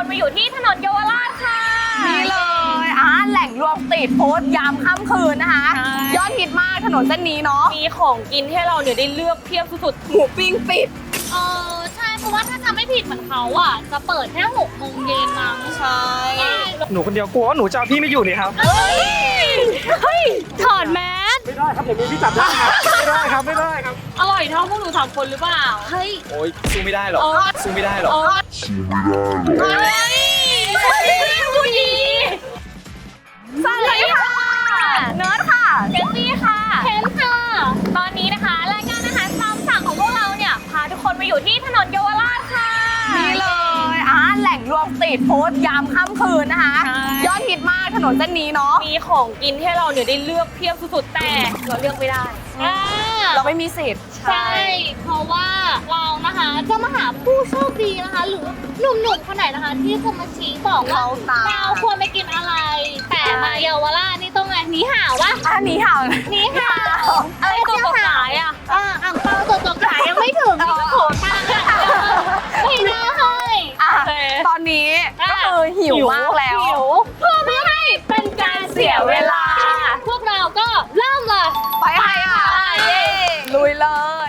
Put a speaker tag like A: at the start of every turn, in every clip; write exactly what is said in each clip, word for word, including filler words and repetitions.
A: คนมาอยู่ที่ถนนเยาวราชค่ะ
B: นี่เลยอ่าแหล่งรวมสตรีทฟู้ดยามค่ำคืนนะคะยอดฮิตมากถนนเส้นนี้เนาะ
A: มีของกินให้เราเนี่ยได้เลือกเพียบสุดๆ
B: หมูปิ้งปิด
A: เออใช่เพราะว่าถ้าจำไม่ผิดเหมือนเขาอ่ะจะเปิดแค่หกโมงเย็นมั้ง
B: ใช่
C: หนูคนเดียวกลัวว่าหนูจะเอาพี่ไม่อยู่นี่ครับ
A: เฮ้ยเฮ้ยถอดแมส
C: ไม่ได้ครับเดี๋ยวมีพี่จับได้ครับไม่ได้ครับไม่ได้ครับ
A: อร่อยเท่าพวกหนูสามคนหรือเปล่าเฮ้ย
C: โอ้ยสู้ไม่ได้หรอกสู้ไม่ได้หรอก
A: สู้ไม่ได้หรอกเฮ้ยผู้หญิงสวัสดีค่ะ
B: เนิร์ดค่ะ
A: เจสซี่ค่ะเคนค่ะตอนนี้นะคะรายการอาหารตามสั่งของพวกเราเนี่ยพาทุกคนมาอยู่ที่ถนนเยาวราชค่ะ
B: นี่เลยอ่าแหล่งรวมสตรีทฟู้ดยามค่ำคืนนะคะยอดฮิตมากถนนเส้นนี้เนาะ
A: มีของกินให้เราเนี่ยได้เลือกเพียบสุดๆแต่เราเลือกไม่ได้
B: เราไม่มีสิทธิ์
A: ใช่เพราะว่าเรานะคะจะมาหาผู้โชคดีนะคะหรือหนุ่มๆคนไหนนะคะที่จะมาชี้บอกว่าเราควรไปกินอะไรแต่มาเยาวราชนี่ต้องไงหนีห่าวะ
B: อ่ะหนีห่าว
A: หนีห่าวอะไรตัวตัวขายอ่ะอ่าอ่างเปาตัวตัวขายยังไม่ถึงนี่ก็โผล่ทางอ่ะไม่ได้
B: ตอนนี้ก็คือหิวมากแล้ว
A: เพื่อไม่ให้เป็นการเสียเวลาพวกเราก็เริ่มเลย
B: ไปค่ะลุยเลย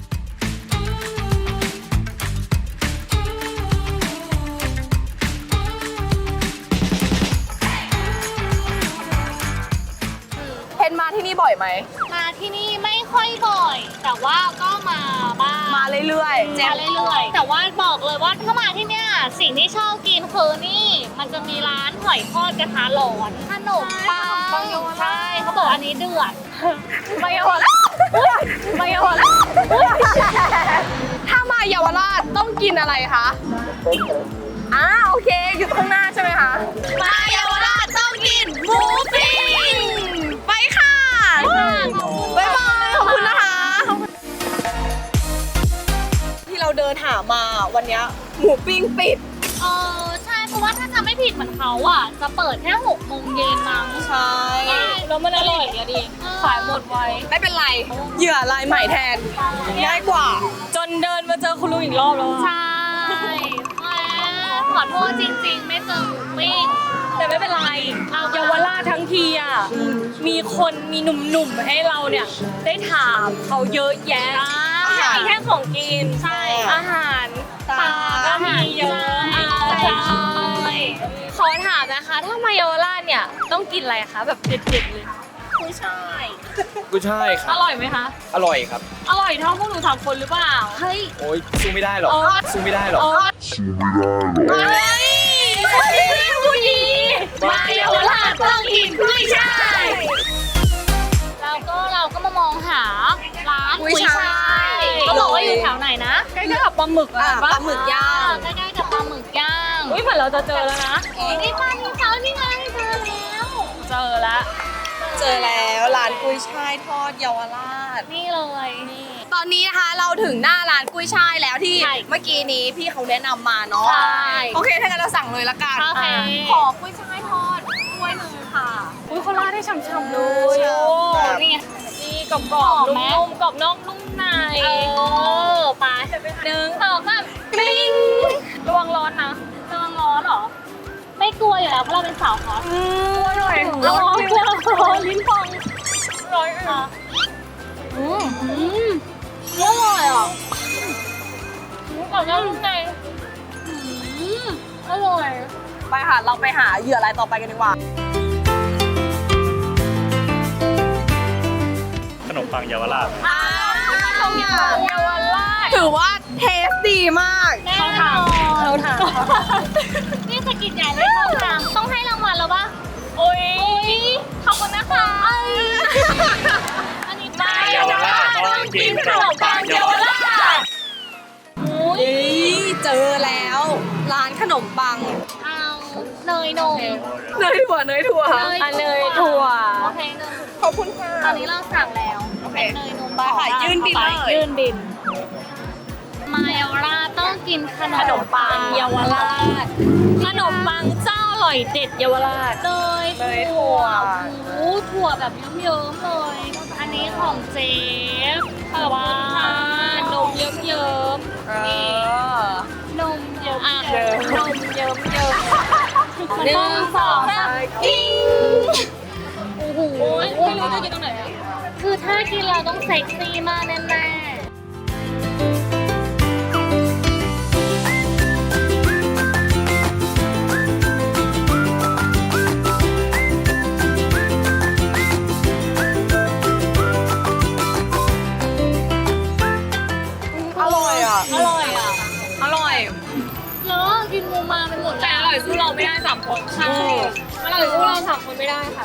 B: เพนมาที่นี่บ่อยไหม
A: มาที่นี่ไม่ค่อยบ่อยแต่ว่าก็มาบ้าง
B: มาเรื่อย
A: ๆมาเรื่อยๆแต่ว่าบอกเลยว่าถ้ามาที่เนี่ยสิ่งที่ชอบกินคือนี่มันจะมีร้านหอยทอดกระทะร้อนขนมปังใช่เขาบอกอันนี้เดือด
B: มาเยาวราชมาเยาวราชถ้ามาเยาวราชต้องกินอะไรคะอ่าโอเคอยู่ข้างหน้าใช่ไหมคะ
A: มาเยาวราชต้องกินหมูปิ้ง
B: ไปค่ะบ๊ายบายขอบคุณนะคะที่เราเดินหามาวันนี้หมูปิ้งปิด
A: เออใช่เพราะว่าถ้าจำไม่ผิดเหมือนเขาอ่ะจะเปิดแค่หกโมงเย็นมั้ง
B: ใช่
A: แล้วมันอร่อยอะดิขายหมดไว
B: ไม่เป็นไรเหยื่อลายใหม่แทนง่ายกว่า
A: จนเดินมาเจอคุณลุงอีกรอบแล้วใช่ขอโทษจริงๆไม่เจอหมูปิ้งแต่ไม่เป็นไรเยาวราชทั้งทีอ่ะมีคนมีหนุ่มๆให้เราเนี่ยได้ถามเขาเยอะแยะไม่ใช่แค่ของกินใช่อาหารตาก็มีเยอะใช่ขอถามนะคะถ้ามาเยาวราชเนี่ยต้องกินอะไรคะแบบเด็ดๆเลยกุ้ยช่าย
C: กุ้ยช่ายครับ
A: อร่อยไหมคะ
C: อร่อยครับ
A: อร่อยเท่าพวกหนูสามคนหรือเปล่าเฮ้ย
C: โอ้ยสู้ไม่ได้หรอกสู้ไม่ได้หรอกสู้ไม่ได้หรอก
A: เฮ้ยผู้หญิงมาเยาวราชต้องกินกุ้ยช่ายเราก็เราก็มามองหาร้านกุ้ยช่ายเขาบอกว่าอยู่แถวไหนนะใกล้ๆกับปลาหมึกอ่ะ
B: ปลาหมึกย่าง
A: ใกล้ๆกับปลาหมึกย่างอุ้ยเหมือนเราจะเจอแล้วนะนี่ปลานี่เขานี่ไงเจอแล้วเจอแล้ว
B: เจอแล้วร้านกุ้ยช่ายทอดเยาวราช
A: นี่เลยนี่
B: ตอนนี้นะคะเราถึงหน้าร้านกุ้ยช่ายแล้วที่เมื่อกี้นี้พี่เขาแนะนำมาเนาะโอเคถ้างั้นเราสั่งเลยละกันขอกุ้ยช่ายทอดถ้วยหนึ่งค่ะ
A: อุ้ยเขาราดได้ฉ่ำๆเลยโอ้นี่ไงนี่กรอบๆนุ่มๆกรอบนอกนุ่มในเออไปหนึ่งสองสามปิ้งระวังร้อนนะระวังร้อนหรอไม่กลัวอยู่แล้วเพราะเราเป็นสาวฮอต
B: อร่อย
A: ร้อนร้อนลิ้นพองร้อนค่ะอืมอืมอร่อยอ่ะกรอบนอกนุ่มในอืมอร่อย
B: ไปค่ะเราไปหาเหยื่ออะไรต่อไปกันดีกว่า
C: ขนมปังเยาวราช
B: อ่าขนมปังเยาวราชถือว่าเทสดีมาก
A: เข้าทางเข้าทางนี่สกินใหญ่เลยเข้าทางต้องให้รางวัลแล้วปะโอ้ยขอบคุณนะคะอันนี้มาเยาวราชต้องกินขนมปังเยาวราชอุ้ย
B: เจอแล้วร้านขนมปัง
A: เอาเนยนม
B: เนยถั่วเนยถั่ว
A: อันเนยถั่วโอเคเนย
B: ขอบคุณค่ะ
A: ตอนนี้เราสั่งแล้วเป็นเนยนมบ้า
B: ค่ะยื่นบินเลย
A: ยื่นบินมาเยาวราชต้องกินขนมปังเยาวราชขนมปังเจ้าอร่อยเด็ดเยาวราชเนยถั่วโอ้ถั่วแบบเยิ้มๆเลยอันนี้ของเจ๊ขอบคุณค่ะนมเยิ้มๆนี่นมเยิ้มๆนมเยิ้มหนึ่งสองสามกิ้งโอ้โหไม่รู้จะกินตรงไหนอ่ะคือถ้ากินเราต้องเซ็กซี่มากแน่ๆ
B: อร่อยอ่ะ
A: อร่อยอ่ะ
B: อร่อย
A: แล้วกินมูมาเป็นหมดแต่อร่อยสู้เราไม่ได้สามคนใช่อร่อยสู้เราสามคนไม่ได้ค่ะ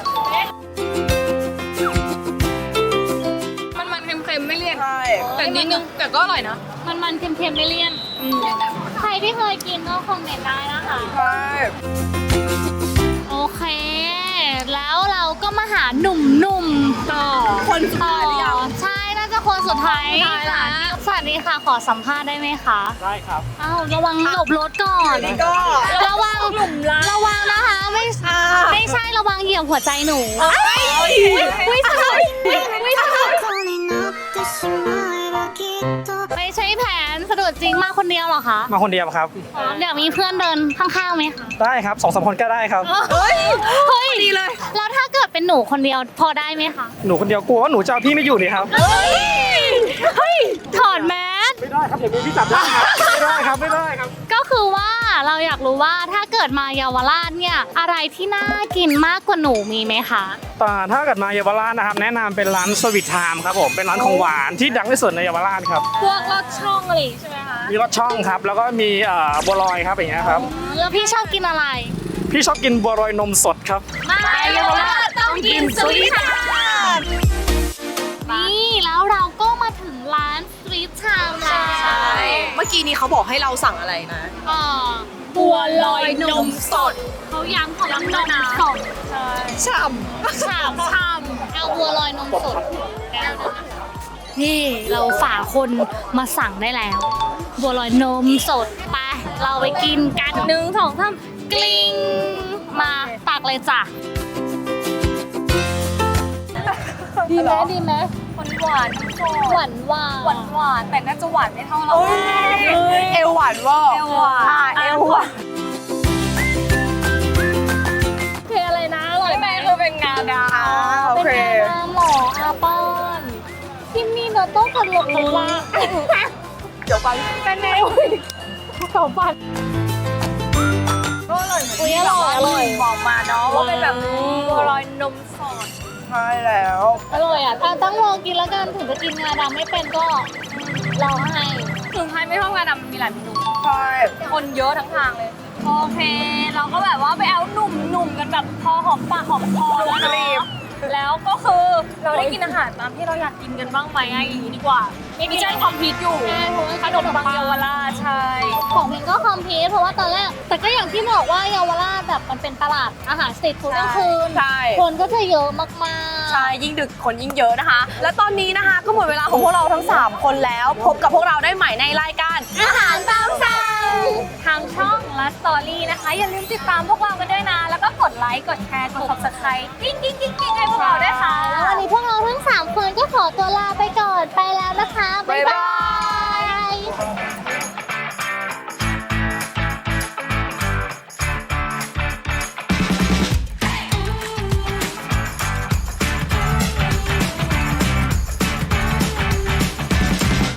A: มันมันเค็มๆไม่เลี่ยน
B: ใช่
A: แต่นิดนึงแต่ก็อร่อยนะมันมันเค็มๆไม่เลี่ยนใครที่เคยกินก็คอมเมนต์ได้นะคะ
B: ใช่
A: โอเค แล้วเราก็มาหาหนุ่มๆต่อ
B: คนสุดท้ายหรือยัง
A: ใช่น่าจะคนสุดท้าย
B: สุดท้ายละ
A: สวัสดีค่ะขอสัมภาษณ์ได้ไหมคะ
C: ได้ครับ
A: อ้าวระวังหลบรถก่อน
B: นี่ก็
A: ระวังระวังนะคะไม่
B: อ่า
A: ไม่ใช่ระวังเหยียบหัวใจหนู
B: เอ้ย
A: ไม่ใช่ไม่ใช่
D: 虜になってしまえばきっと
A: ไม่ใช่แผนสะดุดจริงมาคนเดียวเหรอคะ
C: มาคนเดียวครับ
A: อ๋อเดี๋ยวมีเพื่อนเดินข้างๆไหมคะ
C: ได้ครับสองสามคนก็ได้ครับ
B: เฮ้ย
A: เฮ้ย
B: ดีเลย
A: แล้วถ้าเกิดเป็นหนูคนเดียวพอได้ไหมคะ
C: หนูคนเดียวกลัวว่าหนูจะเอาพี่ไม่อยู่นี่ครับ
A: เฮ้ยเฮ้ยถอดแมส
C: ไม่ได้ครับเดี๋ยวมีพี่จับได้ครับ ไม่ได้ครับไม่ได้ครับ
A: ก็คือว่าเราอยากรู้ว่าถ้าเกิดมาเยาวราชเนี่ยอะไรที่น่ากินมากกว่าหนูมีไหมคะ
C: แต่ถ้าเกิดมาเยาวราชนะครับ แนะนำเป็นร้านสวิตไทม์ครับผมเป็นร้านของหวานที่ดังที่สุดในเยาวราชครับ
A: พวกรสช่องอะไรใช่ไหมคะ
C: มีรสช่องครับ แล้วก็มีเอ่อบัวลอยครับอย่างเงี้ยครับ
A: แล้วพี่ชอบกินอะไร
C: พี่ชอบกินบัวลอยนมสดครับ
A: มาเยาวราชต้องกินสุริทานนี่แล้วเราก็มาถึงร้านสตรีทชาวแล้ว
B: ใช่ เมื่อกี้นี้เขาบอกให้เราสั่งอะไรนะ
A: อ่าบัวลอยนมสดเขาย้ำของนมสด
B: ฉ่
A: ฉ่ำฉ่ำเอาบัวลอยนมสดแก้วนึงนี่เราฝ่าคนมาสั่งได้แล้ว บัวลอยนมสดไปเราไปกินกันหนึ่งสองสามกลิ้งมาตักเลยจ้ะดีไหมดีไหม
B: หวาน
A: หวานหวานหวานหวานแต่น่าจะหวานไม่เท่าเรา
B: เอวหวานเว่า
A: เอวหวาน
B: อ่เอวหวาน
A: เพลอะไรนะอร่อยไหมคือเป็นงาดา
B: โอเค
A: เป็นงาหมออาปอนที่มีโนโต้กับหลงหลงว่า
B: เดี๋ยวไป
A: เป็นไงอุ้ยเขาปัด
B: ก็อร่อย
A: อุ้ยอร่อยอร่อย
B: บอกมาเนาะว่าเป็นแบบ
A: บัวลอยนมสด
B: ใช่แล้ว
A: อร่อยอ่ะถ้าต้องลองกินแล้วกันถึงจะกินงาดำไม่เป็นก็ลองให้ถึงใครไม่ชอบงาดำมันมีหลายเมนู
B: ใช่
A: คนเยอะทั้งทางเลย โอเค เราก็แบบว่าไปเอาหนุ่มๆกันแบบพอหอมปากหอมคอแล้วเนาะแล้วก็คือเราได้กินอาหารตามที่เราอยากกินกันบ้างไหมไงอย่างนี้ดีกว่าไม่ใช่คอมพิวอยู่ขนมปังเยาวราชใช่ของพิงก็คอมพิวเพราะว่าตอนแรกแต่ก็อย่างที่บอกว่าเยาวราชแบบมันเป็นตลาดอาหารสตรีทฟู้ดกลางคืน
B: ใช่
A: คนก็จะเยอะมากๆ
B: ใช่ยิ่งดึกคนยิ่งเยอะนะคะ และตอนนี้นะคะก็หมดเวลาของพวกเราทั้งสามคนแล้ว พบกับพวกเราได้ใหม่ในรายการ
A: อาหารตามสั่งทางช่องและสตอรี่นะคะ อย่าลืมติดตามพวกเรากันด้วยนะ แล้วก็กดไลค์ กดแชร์ กด subscribe กิ๊งกิ๊งกิ๊งกิ๊งให้พวกเราด้วยค่ะ แล้ววันนี้พวกเราทั้งสามคนก็ขอตัวลาไปก่อน ไปแล้วนะคะ บ๊ายบาย